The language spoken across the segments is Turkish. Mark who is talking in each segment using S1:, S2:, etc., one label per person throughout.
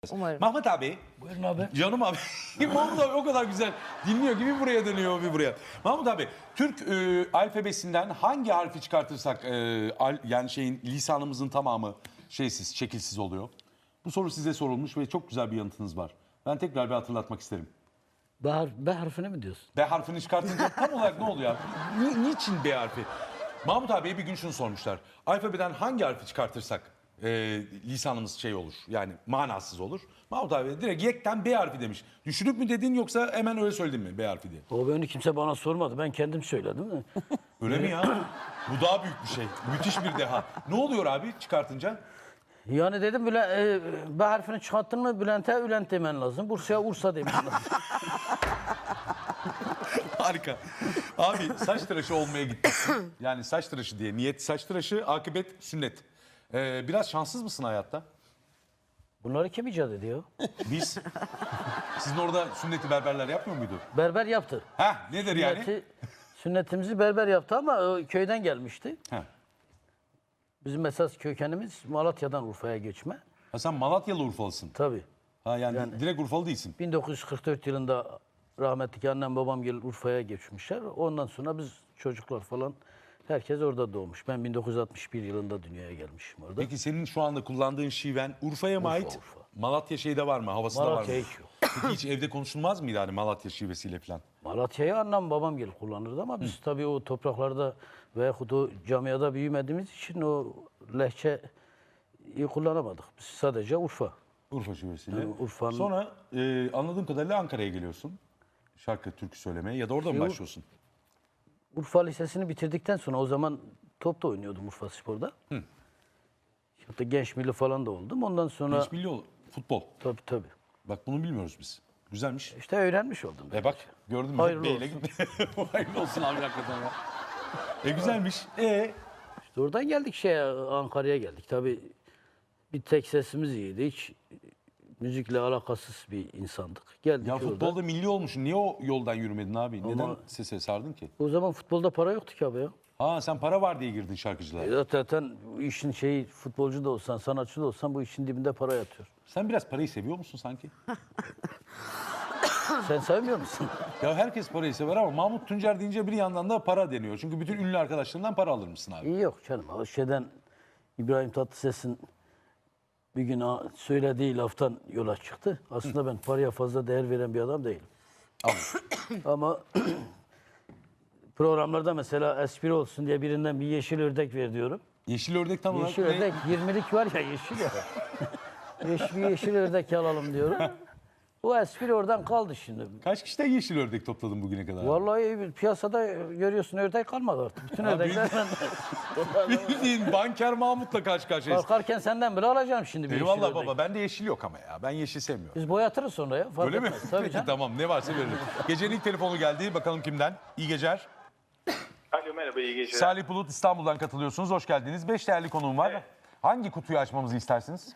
S1: Umarım.
S2: Mahmut abi.
S3: Buyurun abi.
S2: Canım abi. Mahmut abi o kadar güzel dinliyor gibi buraya dönüyor bir buraya. Mahmut abi Türk alfabesinden hangi harfi çıkartırsak yani lisanımızın tamamı şeysiz, şekilsiz oluyor? Bu soru size sorulmuş ve çok güzel bir yanıtınız var. Ben tekrar bir hatırlatmak isterim.
S3: B harfini mi diyorsun?
S2: B harfini çıkartınca tam olarak ne oluyor abi? Niçin B harfi? Mahmut abiye bir gün şunu sormuşlar. Alfabeden hangi harfi çıkartırsak lisanımız şey olur, yani manasız olur. Mahmut abi direkt yekten B harfi demiş. Düşünüp mü dedin yoksa hemen öyle söyledin mi B harfi diye?
S3: O beni kimse bana sormadı. Ben kendim söyledim de.
S2: Öyle mi ya? Bu daha büyük bir şey. Müthiş bir deha. Ne oluyor abi çıkartınca?
S3: Yani dedim B harfini çıkarttın mı Bülent'e Bülent demen lazım. Bursa'ya Ursa demen lazım.
S2: Harika. Abi saç tıraşı olmaya gittin. Yani saç tıraşı diye. Niyet saç tıraşı, akıbet sünnet. Biraz şanssız mısın hayatta?
S3: Bunları kim icat ediyor?
S2: Biz. Sizin orada sünneti berberler yapmıyor muydu?
S3: Berber yaptı.
S2: Heh, nedir yani?
S3: Sünnetimizi berber yaptı ama köyden gelmişti.
S2: Heh.
S3: Bizim esas kökenimiz Malatya'dan Urfa'ya geçme.
S2: Ha, sen Malatyalı Urfalısın.
S3: Tabii.
S2: Ha yani direkt Urfalı değilsin.
S3: 1944 yılında rahmetli annem babam gelip Urfa'ya geçmişler. Ondan sonra biz çocuklar falan herkes orada doğmuş. Ben 1961 yılında dünyaya gelmişim orada.
S2: Peki senin şu anda kullandığın şiven Urfa'ya mı ait?
S3: Urfa.
S2: Malatya şeyde var mı? Havasında var mı?
S3: Malatya hiç yok.
S2: Peki hiç evde konuşulmaz mıydı hani Malatya şivesiyle falan?
S3: Malatya'yı annem babam gelip kullanırdı ama biz tabii o topraklarda veyahut o camiada büyümediğimiz için o lehçeyi kullanamadık. Biz sadece Urfa.
S2: Urfa şivesiyle.
S3: Yani Urfa'nın-
S2: Sonra anladığım kadarıyla Ankara'ya geliyorsun. Şarkı, türkü söylemeye ya da orada mı
S3: Yok.
S2: başlıyorsun?
S3: Urfa Lisesi'ni bitirdikten sonra o zaman top da oynuyordum Urfa Spor'da. Hatta genç milli falan da oldum. Ondan sonra
S2: Genç milli futbol.
S3: tabii.
S2: Bak bunu bilmiyoruz biz. Güzelmiş.
S3: İşte öğrenmiş oldum.
S2: Bak gördün mü?
S3: Hayırlı
S2: Beyle gitti. Hayırlı olsun abi hakikaten ya. Güzelmiş.
S3: İşte oradan geldik Ankara'ya geldik. Tabii bir tek sesimiz iyiydi. Hiç müzikle alakasız bir insandık. Geldik
S2: Ya
S3: orada.
S2: futbolda milli olmuşsun. Niye o yoldan yürümedin abi? Neden
S3: Ama-
S2: sese sardın ki?
S3: O zaman futbolda para yoktu ki abi ya.
S2: Ha sen para var diye girdin şarkıcılığa.
S3: Zaten bu işin futbolcu da olsan, sanatçı da olsan bu işin dibinde para yatıyor.
S2: Sen biraz parayı seviyor musun sanki?
S3: Sen sevmiyor musun?
S2: Ya herkes parayı sever ama Mahmut Tuncer deyince bir yandan da para deniyor. Çünkü bütün ünlü arkadaşlarından para alır mısın abi?
S3: İyi yok canım. O İbrahim Tatlıses'in bir gün söylediği laftan yola çıktı. Aslında ben paraya fazla değer veren bir adam değilim. Ama programlarda mesela espri olsun diye birinden bir yeşil ördek ver diyorum.
S2: Yeşil ördek tam olarak
S3: Yeşil
S2: ne?
S3: ördek 20'lik var ya yeşil ya. yeşil ördek alalım diyorum. Bu espri oradan kaldı şimdi.
S2: Kaç kişiden yeşil ördek topladın bugüne kadar?
S3: Vallahi piyasada görüyorsun ördek kalmadı artık. Bütün ördekler benden.
S2: Bildiğin banker Mahmut'la karşı karşıyayız.
S3: Kalkarken senden bile alacağım şimdi bir yeşil
S2: Eyvallah
S3: ördek.
S2: baba bende yeşil yok ama ya. Ben yeşil sevmiyorum.
S3: Biz boyatırız sonra ya. Fark
S2: Öyle mi?
S3: etmez. Tabii
S2: Peki
S3: canım.
S2: tamam ne varsa veririm. Gecenin ilk telefonu geldi. Bakalım kimden? İyi geceler.
S4: Alo merhaba iyi geceler.
S2: Salih Bulut İstanbul'dan katılıyorsunuz. Hoş geldiniz. 5 değerli konuğum var.
S4: Evet.
S2: Hangi kutuyu açmamızı istersiniz?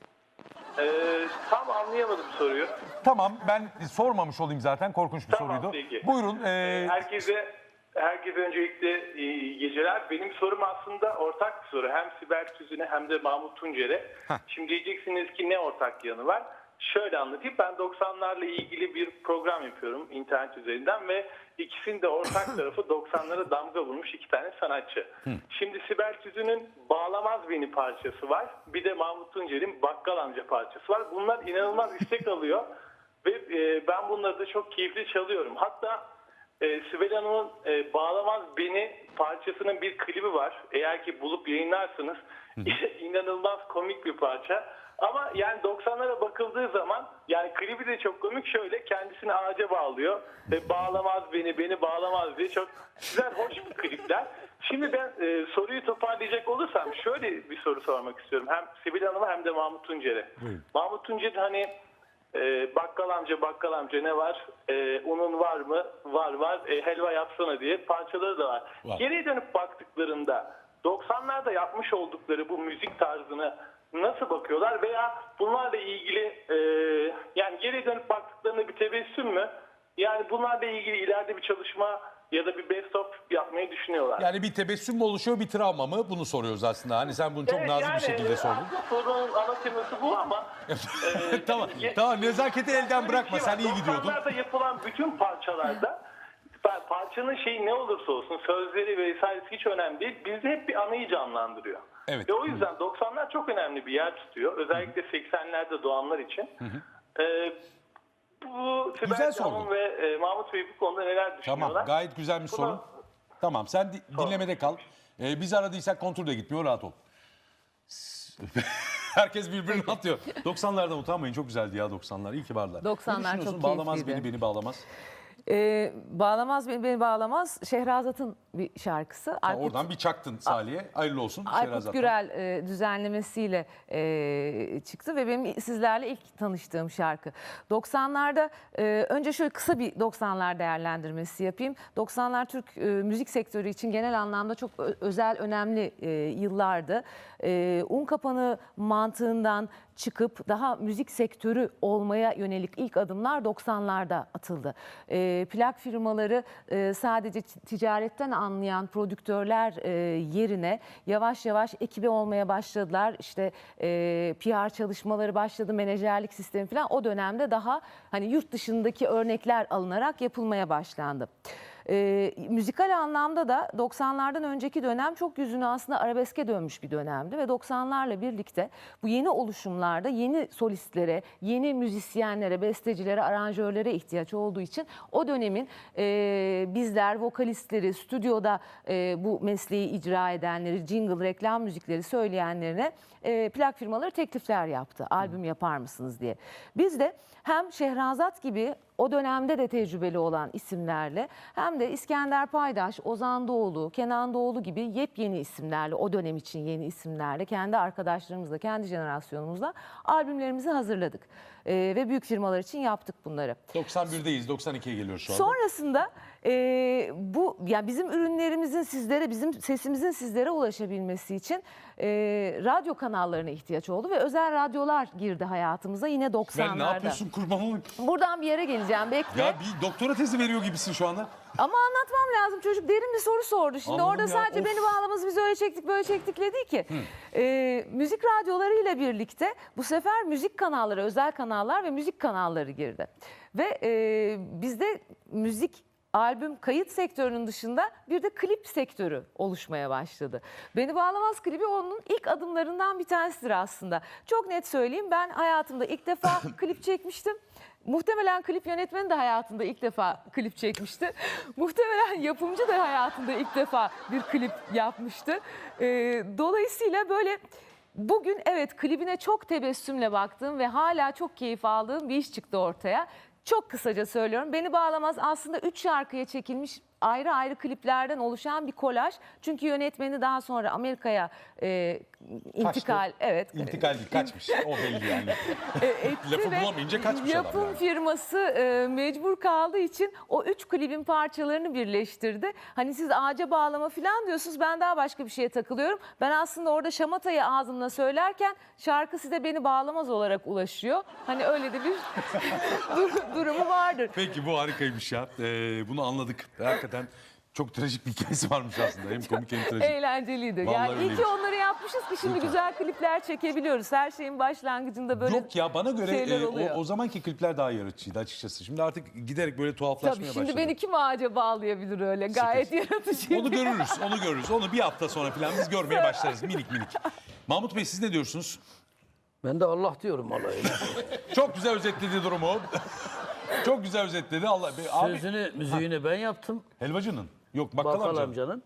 S4: Tam anlayamadım soruyu.
S2: Tamam ben sormamış olayım zaten. Korkunç bir
S4: Tamam,
S2: soruydu.
S4: peki.
S2: Buyurun.
S4: Herkese öncelikle iyi geceler. Benim sorum aslında ortak bir soru. Hem Sibel Tüzün'e hem de Mahmut Tuncer'e. Şimdi diyeceksiniz ki ne ortak yanı var? Şöyle anlatayım. Ben 90'larla ilgili bir program yapıyorum internet üzerinden ve ikisinin de ortak tarafı 90'lara damga vurmuş iki tane sanatçı. Şimdi Sibel Tüzün'ün Bağlamaz Beni parçası var. Bir de Mahmut Tuncer'in Bakkal Amca parçası var. Bunlar inanılmaz istek alıyor ve ben bunları da çok keyifli çalıyorum. Hatta Sibel Hanım'ın Bağlamaz Beni parçasının bir klibi var. Eğer ki bulup yayınlarsanız inanılmaz komik bir parça. Ama yani 90'lara bakıldığı zaman yani klibi de çok komik. Şöyle kendisini ağaca bağlıyor ve bağlamaz beni bağlamaz diye çok güzel, hoş bir klipler. Şimdi ben soruyu toparlayacak olursam şöyle bir soru sormak istiyorum. Hem Sibel Hanım'a hem de Mahmut Tuncer'e. Mahmut Tuncer hani bakkal amca ne var? Unun var mı? Var. Helva yapsana diye parçaları da var. Geriye dönüp baktıklarında 90'larda yapmış oldukları bu müzik tarzını nasıl bakıyorlar veya bunlarla ilgili yani geriye dönüp baktıklarında bir tebessüm mü? Yani bunlarla ilgili ileride bir çalışma ya da bir best of yapmayı düşünüyorlar.
S2: Yani bir tebessüm mü oluşuyor, bir travma mı? Bunu soruyoruz aslında. Hani sen bunu çok
S4: Evet,
S2: nazik bir şekilde sordun.
S4: Aslında sorunun ana teması bu ama
S2: Tamam, nezaketi elden bırakma. Sen iyi gidiyordun.
S4: 90'larda yapılan bütün parçalarda parçanın şeyi ne olursa olsun sözleri vesairesi hiç önemli değil. Bizde hep bir anıyı canlandırıyor.
S2: Evet.
S4: Ve o yüzden 90'lar çok önemli bir yer tutuyor. Özellikle 80'lerde doğanlar için. Bu
S2: Güzel
S4: Sibel
S2: sordun.
S4: Can'ın ve Mahmut Bey bu konuda neler düşünüyorlar?
S2: Tamam, gayet güzel bir
S4: Buna-
S2: sorun. Tamam, sen dinlemede kal. Biz aradıysak kontrol de gitmiyor, rahat ol. Herkes birbirini atıyor. 90'lardan utanmayın, çok güzeldi ya 90'lar. İyi ki varlar.
S1: 90'lar
S2: Ne düşünüyorsun?
S1: çok
S2: Bağlamaz
S1: keyifliydi.
S2: beni bağlamaz.
S1: Bağlamaz beni bağlamaz. Şehrazat'ın bir şarkısı.
S2: Oradan bir çaktın Salih'e. Hayırlı olsun.
S1: Aykut
S2: Şehrazat'tan.
S1: Gürel düzenlemesiyle çıktı ve benim sizlerle ilk tanıştığım şarkı. 90'larda önce şöyle kısa bir 90'lar değerlendirmesi yapayım. 90'lar Türk müzik sektörü için genel anlamda çok özel, önemli yıllardı. Un kapanı mantığından çıkıp daha müzik sektörü olmaya yönelik ilk adımlar 90'larda atıldı. Plak firmaları sadece ticaretten anlayan prodüktörler yerine yavaş yavaş ekibi olmaya başladılar. İşte PR çalışmaları başladı, menajerlik sistemi falan o dönemde daha hani yurt dışındaki örnekler alınarak yapılmaya başlandı. Müzikal anlamda da 90'lardan önceki dönem çok yüzünü aslında arabeske dönmüş bir dönemdi ve 90'larla birlikte bu yeni oluşumlarda yeni solistlere, yeni müzisyenlere, bestecilere, aranjörlere ihtiyaç olduğu için o dönemin bizler vokalistleri, stüdyoda bu mesleği icra edenleri, jingle, reklam müzikleri söyleyenlerine plak firmaları teklifler yaptı. Albüm yapar mısınız diye. Biz de hem Şehrazat gibi o dönemde de tecrübeli olan isimlerle hem de İskender Paydaş, Ozan Doğulu, Kenan Doğulu gibi yepyeni isimlerle, o dönem için yeni isimlerle, kendi arkadaşlarımızla, kendi jenerasyonumuzla albümlerimizi hazırladık. Ve büyük firmalar için yaptık bunları.
S2: 91'deyiz, 92'ye geliyoruz şu anda.
S1: Sonrasında bu yani bizim ürünlerimizin sizlere, bizim sesimizin sizlere ulaşabilmesi için radyo kanallarına ihtiyaç oldu ve özel radyolar girdi hayatımıza yine 90'larda.
S2: Ben ne yapıyorsun kurban olayım?
S1: Buradan bir yere geleceğim, bekle.
S2: Ya bir doktora tezi veriyor gibisin şu anda.
S1: Ama anlatmam lazım, çocuk derin bir soru sordu. Şimdi
S2: Anladım
S1: orada
S2: ya,
S1: sadece
S2: of.
S1: beni bağlamaz, biz öyle çektik böyle çektik dedi ki. Müzik radyolarıyla birlikte bu sefer müzik kanalları, özel kanallar ve müzik kanalları girdi. Ve bizde müzik albüm kayıt sektörünün dışında bir de klip sektörü oluşmaya başladı. Beni Bağlamaz klibi onun ilk adımlarından bir tanesidir aslında. Çok net söyleyeyim, ben hayatımda ilk defa klip çekmiştim. Muhtemelen klip yönetmeni de hayatında ilk defa klip çekmişti. Muhtemelen yapımcı da hayatında ilk defa bir klip yapmıştı. Dolayısıyla böyle bugün evet klibine çok tebessümle baktığım ve hala çok keyif aldığım bir iş çıktı ortaya. Çok kısaca söylüyorum. Beni Bağlamaz aslında 3 şarkıya çekilmiş ayrı ayrı kliplerden oluşan bir kolaj. Çünkü yönetmeni daha sonra Amerika'ya intikal, evet.
S2: İntikal değil, kaçmış. O belli yani.
S1: Etti
S2: Lafı
S1: ve
S2: bulamayınca kaçmış adam
S1: yapım
S2: yani.
S1: firması mecbur kaldığı için o 3 klibin parçalarını birleştirdi. Hani siz ağaca bağlama falan diyorsunuz, ben daha başka bir şeye takılıyorum. Ben aslında orada şamatayı ağzımla söylerken şarkı size Beni Bağlamaz olarak ulaşıyor. Hani öyle de bir durumu vardır.
S2: Peki bu harikaymış ya. Bunu anladık. Hakikaten çok trajik bir hikayesi varmış aslında. Hem komik hem trajik.
S1: Eğlenceliydi.
S2: Vallahi
S1: Yani iyi
S2: öyleymiş.
S1: ki onları yapmışız ki şimdi güzel klipler çekebiliyoruz. Her şeyin başlangıcında böyle
S2: Yok ya bana göre
S1: şeyler oluyor.
S2: o zamanki klipler daha yaratıcıydı açıkçası. Şimdi artık giderek böyle tuhaflaşmaya
S1: Tabii
S2: başladı.
S1: şimdi beni kim ağaca bağlayabilir öyle? Gayet yaratıcı.
S2: Onu görürüz. Onu bir hafta sonra falan biz görmeye başlarız minik minik. Mahmut Bey siz ne diyorsunuz?
S3: Ben de Allah diyorum alayına.
S2: Çok güzel özetledi durumu. Çok güzel özetledi. Allah abi
S3: Sözünü, müziğini ben yaptım.
S2: helvacının. Yok bakkal,
S3: Bakkal
S2: amcanın.
S3: amcanın.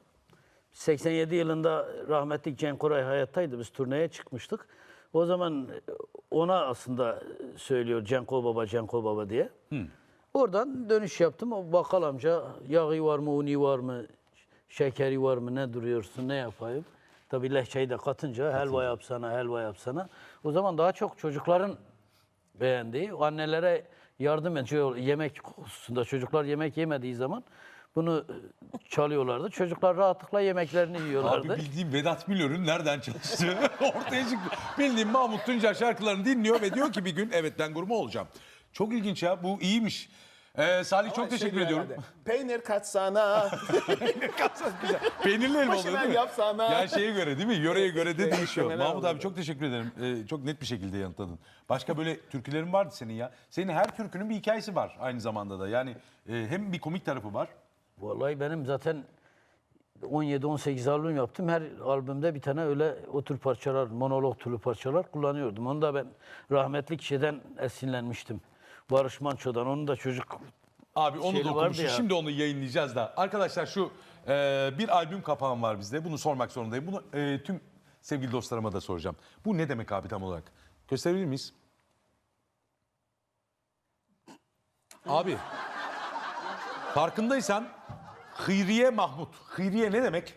S3: 87 yılında rahmetli Cenk Koray hayattaydı. Biz turneye çıkmıştık. O zaman ona aslında söylüyor Cenko Baba diye. Oradan dönüş yaptım. O bakkal amca yağı var mı, uni var mı, şekeri var mı, ne duruyorsun, ne yapayım? Tabii lehçeyi de katınca helva yapsana. O zaman daha çok çocukların beğendiği, annelere yardım ediyor yemek hususunda. Çocuklar yemek yemediği zaman bunu çalıyorlardı. Çocuklar rahatlıkla yemeklerini yiyorlardı.
S2: Abi bildiğim Vedat Milor'un nereden çalıştığı ortaya çıktı. Bildiğim Mahmut Tuncer şarkılarını dinliyor ve diyor ki bir gün evet ben gurme olacağım. Çok ilginç ya, bu iyiymiş. Salih çok
S5: Ama
S2: teşekkür
S5: şey diyor
S2: ediyorum.
S5: herhalde, Peynir katsana.
S2: Peynirli elma oluyor
S5: Başına
S2: değil mi?
S5: yapsana.
S2: Ya şeye göre değil mi? Yöreye göre de değişiyor.
S5: Muhtemelen
S2: Mahmut abi
S5: oluyor.
S2: çok teşekkür ederim. Çok net bir şekilde yanıtladın. Başka böyle türkülerin vardı senin ya. Senin her türkünün bir hikayesi var aynı zamanda da. Yani hem bir komik tarafı var.
S3: Vallahi benim zaten 17-18 albüm yaptım. Her albümde bir tane öyle o tür parçalar, monolog türlü parçalar kullanıyordum. Onu da ben rahmetli kişiden esinlenmiştim. Barış Manço'dan. Onu da çocuk
S2: Abi onu
S3: Şeyli
S2: da
S3: vardı
S2: okumuşum.
S3: ya.
S2: Şimdi onu yayınlayacağız da. Arkadaşlar şu bir albüm kapağım var bizde. Bunu sormak zorundayım. Bunu tüm sevgili dostlarıma da soracağım. Bu ne demek abi tam olarak? Gösterebilir miyiz? Abi farkındaysan Hıyriye Mahmut. Hıyriye ne demek?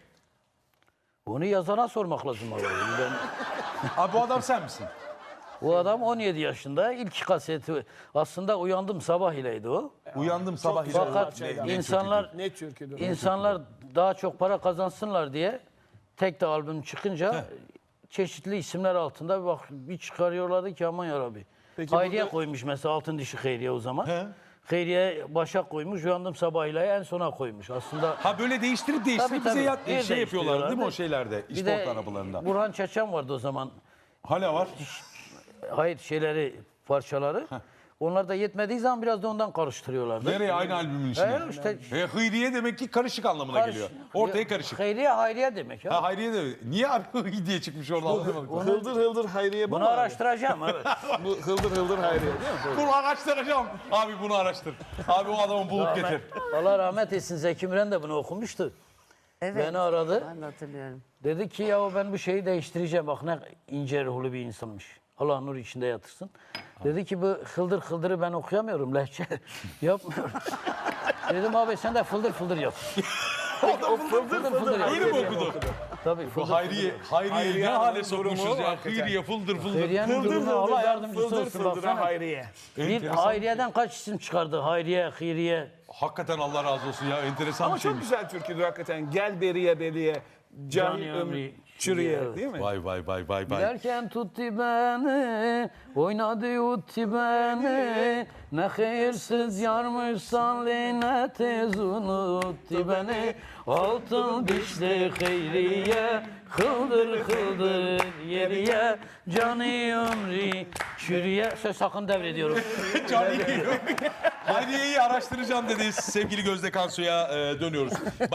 S3: onu yazana sormak lazım. Abi. Ben,
S2: Abi bu adam sen misin?
S3: o adam 17 yaşında. İlk kaseti aslında Uyandım Sabah ileydi o.
S2: Uyandım sabah ile.
S3: Fakat insanlar
S5: Ne türküdür?
S3: İnsanlar daha çok para kazansınlar diye tek de albüm çıkınca çeşitli isimler altında bir çıkarıyorlardı ki aman yarabbi.
S5: Peki
S3: Hayriye
S5: burada-
S3: koymuş mesela Altın Dişi Hayriye o zaman.
S2: He.
S3: Hayriye Başak koymuş, Uyandım Sabahıyla en sona koymuş. Aslında
S2: Ha böyle değiştirip
S3: Tabii, tabii. Bir
S2: şey yapıyorlar değil mi o
S3: değiştiriyorlardı.
S2: şeylerde?
S3: bir
S2: İsport
S3: de
S2: arabalarında.
S3: Burhan Çeçen vardı o zaman.
S2: Hala var.
S3: Hayır şeyleri, parçaları. Onlar da yetmediği zaman biraz da ondan karıştırıyorlardı.
S2: Nereye aynı albümün içine?
S3: işte
S2: Hıyriye demek ki karışık anlamına geliyor. Ortaya karışık.
S3: Hayriye Hayriye demek ya.
S2: Ha Hayriye de niye abi Hıyriye çıkmış oradan?
S5: Hıldır hıldır Hayriye bu
S3: Bunu
S5: mu abi?
S3: araştıracağım evet.
S5: Bu hıldır hıldır Hayriye değil mi?
S2: Bunu araştıracağım. Abi bunu araştır. Abi o adamı bulup getir.
S3: Allah rahmet etsin Zeki Müren de bunu okumuştu.
S6: Evet.
S3: Beni aradı.
S6: Ben de hatırlıyorum.
S3: Dedi ki ya ben bu şeyi değiştireceğim. Bak ne ince ruhlu bir insanmış. Allah nur içinde yatırsın. Dedi ki bu hıldır hıldırı ben okuyamıyorum lehçe. Yapmıyorum. Dedim abi sen de fıldır fıldır yap.
S5: O fıldır fıldır
S2: Öyle mi
S5: Hayriye
S2: okudu?
S3: Tabii
S2: Bu
S3: fıldır
S2: Hayriye ne
S5: Hayriye
S2: hale
S5: Hanım'ın
S2: sokmuşuz
S5: durumu
S2: ya.
S5: hakikaten.
S2: Hıyriye fıldır fıldır.
S3: Hayriye'nin
S5: Fıldır
S3: durumu Allah
S5: fıldır
S3: yardımcısı
S5: fıldır
S3: olsun.
S5: fıldır
S3: Baksana.
S5: Hayriye.
S3: Bir Hayriye'den kaç isim çıkardı? Hayriye, Hıyriye.
S2: Hakikaten Allah razı olsun ya. Enteresan
S5: Ama
S2: bir
S5: çok
S2: şeymiş.
S5: güzel türküdür hakikaten. Gel beriye beriye. Cani
S3: Cani
S5: ömrü
S3: ömrü
S5: çürüye
S3: evet.
S5: değil mi?
S2: Vay vay vay vay vay.
S3: Giderken tuttu beni, oynadı utti beni. Ne hayırsız yarmışsan ne tez unuttu beni. Altın dişli Hayriye, hıldır hıldır yeriye. Canı ömrü çürüye. Söz sakın devrediyorum.
S2: Hayriye'yi araştıracağım dedi sevgili Gözde Kansu'ya dönüyoruz.